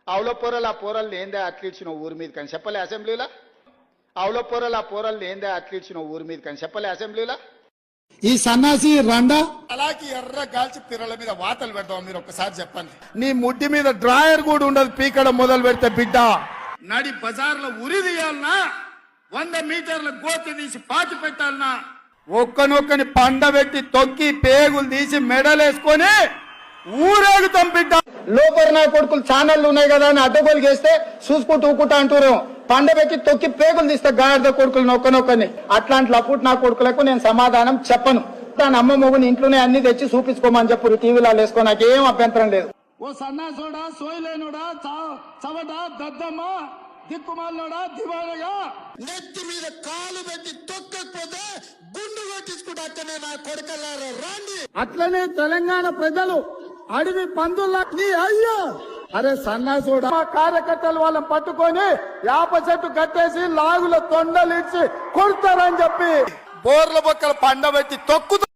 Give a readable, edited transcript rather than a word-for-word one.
అవులో పోరలు ఆ పోరల్ని ఏందే అట్లిచ్చిన ఊరి మీద కానీ చెప్పలే అసెంబ్లీలో. అవులో పోరలు ఆ పోరల్ని ఏందే అట్లిచ్చిన ఊరి మీద కానీ చెప్పలే అసెంబ్లీలో. ఈ సన్నాసి రండా అలాగే ఎర్ర గాల్చి పిర్రల మీద వాతలు పెడతాం. మీరు ఒక్కసారి చెప్పండి. నీ ముడ్డి మీద డ్రాయర్ కూడా ఉండదు పీకడం మొదలు పెడితే బిడ్డ. నడి బజార్లో ఉరి తీయాలనా, 100 మీటర్ల గోతి తీసి పాతి పెట్టాలనా, ఒక్కనొక్కని పండబెట్టి తొక్కి పేగులు తీసి మెడలేసుకొని ఊరేగుతాం బిడ్డ. లోపల నా కొడుకులు ఛానళ్ళు ఉన్నాయి కదా అని అడ్డగోలు చేస్తే చూసుకుంటూ ఊకుంటా అంటారు. పండబెట్టి తొక్కి పేగులు తీస్తే గాడిద కొడుకులు నొక్కనొక్కని. అట్లాంటి లపుట్ నా కొడుకులకు నేను సమాధానం చెప్పను. దాని అమ్మ మొగుని ఇంట్లోనే అన్ని తెచ్చి చూపించుకోమని చెప్పు, టీవీలో వేసుకో, నాకేం అభ్యంతరం లేదు. ఓ సన్నాసోడా, సోయిలేనుడా, చవట, దద్దమ్మ, దిక్కుమాలనోడా, దివానగా నెత్తి మీద కాలు పెట్టి తొక్కకపోతే గుండు కొట్టించుకుంటా అక్కనే నా కొడుకల్లారా రాండి. అట్లనే తెలంగాణ ప్రజలు అడవి పందుల్లా అయ్యో అరే సన్నాసోడా, మా కార్యకర్తలు వాళ్ళని పట్టుకొని యాప చెట్టు కట్టేసి లాగుల తొండలు ఇచ్చి కొడతారని చెప్పి బోర్ల బొక్కలు పండబెట్టి తొక్కుతా.